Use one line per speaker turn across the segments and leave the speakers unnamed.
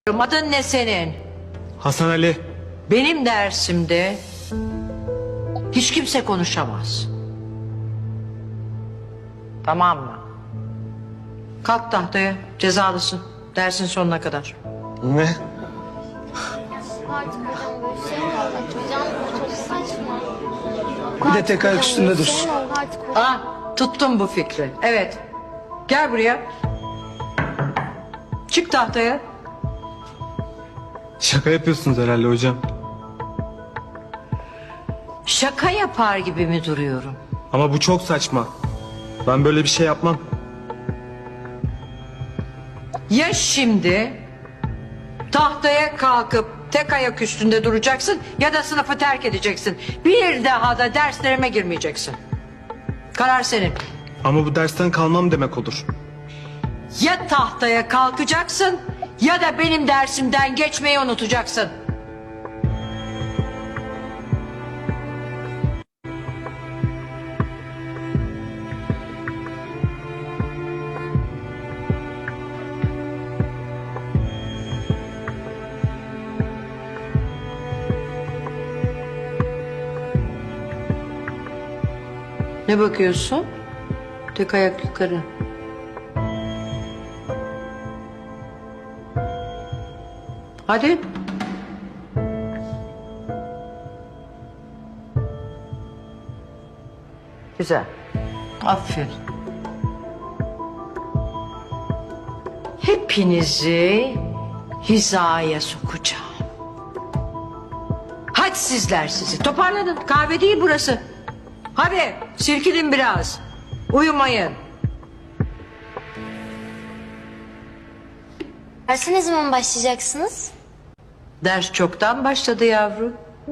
Adın ne senin?
Hasan Ali.
Benim dersimde hiç kimse konuşamaz. Tamam mı? Kalk tahtaya, cezalısın. Dersin sonuna kadar.
Ne?
Artık hocam böyle şey mi olacak? Hocam çok saçma.
Bir de tek ayak üstünde dursun.
Şey mi oldu artık hocam?
Ah, tuttum bu fikri. Evet. Gel buraya. Çık tahtaya.
Şaka yapıyorsunuz herhalde hocam.
Şaka yapar gibi mi duruyorum?
Ama bu çok saçma. Ben böyle bir şey yapmam.
Ya şimdi tahtaya kalkıp tek ayak üstünde duracaksın ya da sınıfı terk edeceksin. Bir daha da derslerime girmeyeceksin. Karar senin.
Ama bu dersten kalmam demek olur.
Ya tahtaya kalkacaksın ya da benim dersimden geçmeyi unutacaksın. Ne bakıyorsun? Tek ayak yukarı. Hadi. Güzel. Aferin. Hepinizi hizaya sokacağım. Hadi sizler sizi. Toparlanın. Kahve değil burası. Hadi silkinin biraz. Uyumayın.
Derse ne zaman başlayacaksınız?
Ders çoktan başladı yavrum.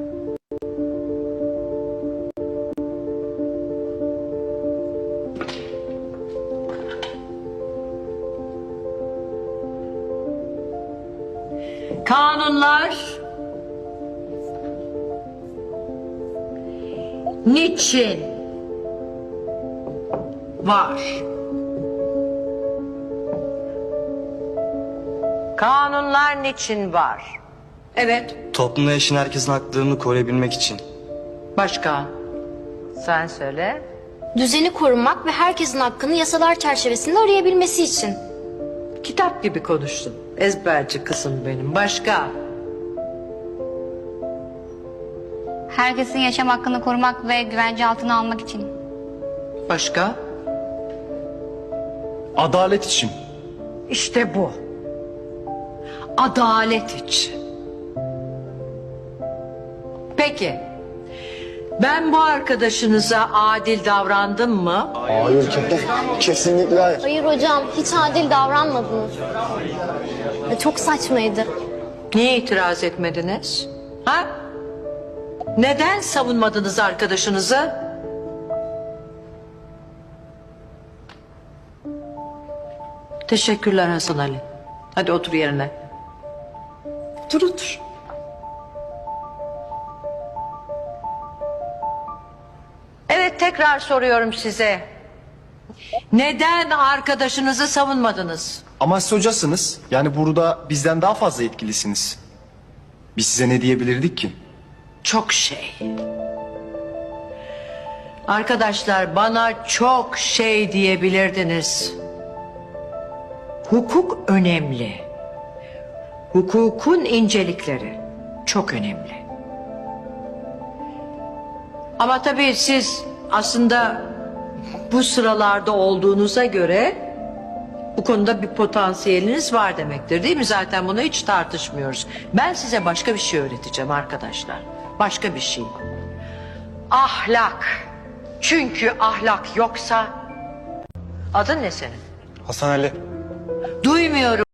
Kanunlar niçin var? Kanunlar niçin var? Evet,
Toplumda yaşayan herkesin haklarını koruyabilmek için.
başka? Sen söyle.
Düzeni korumak ve herkesin hakkını yasalar çerçevesinde arayabilmesi için.
Kitap gibi konuştun. Ezberci kızım benim. Başka?
Herkesin yaşam hakkını korumak ve güvence altına almak için.
Başka?
Adalet için.
İşte bu. Adalet için. Peki. Ben bu arkadaşınıza adil davrandım mı?
Hayır, kesinlikle hayır.
Hayır hocam, hiç adil davranmadınız. Çok saçmaydı.
Niye itiraz etmediniz? Ha? Neden savunmadınız arkadaşınızı? Teşekkürler Hasan Ali. Hadi otur yerine. Otur. Evet, tekrar soruyorum size. Neden arkadaşınızı savunmadınız?
Ama siz hocasınız. Yani burada bizden daha fazla etkilisiniz. Biz size ne diyebilirdik ki?
Çok şey. Arkadaşlar, bana çok şey diyebilirdiniz. Hukuk önemli. Hukukun incelikleri çok önemli. Ama tabii siz aslında bu sıralarda olduğunuza göre bu konuda bir potansiyeliniz var demektir, değil mi? Zaten bunu hiç tartışmıyoruz. Ben size başka bir şey öğreteceğim arkadaşlar. Başka bir şey. Ahlak. Çünkü ahlak yoksa... Adın ne senin?
Hasan Ali.
Duymuyorum.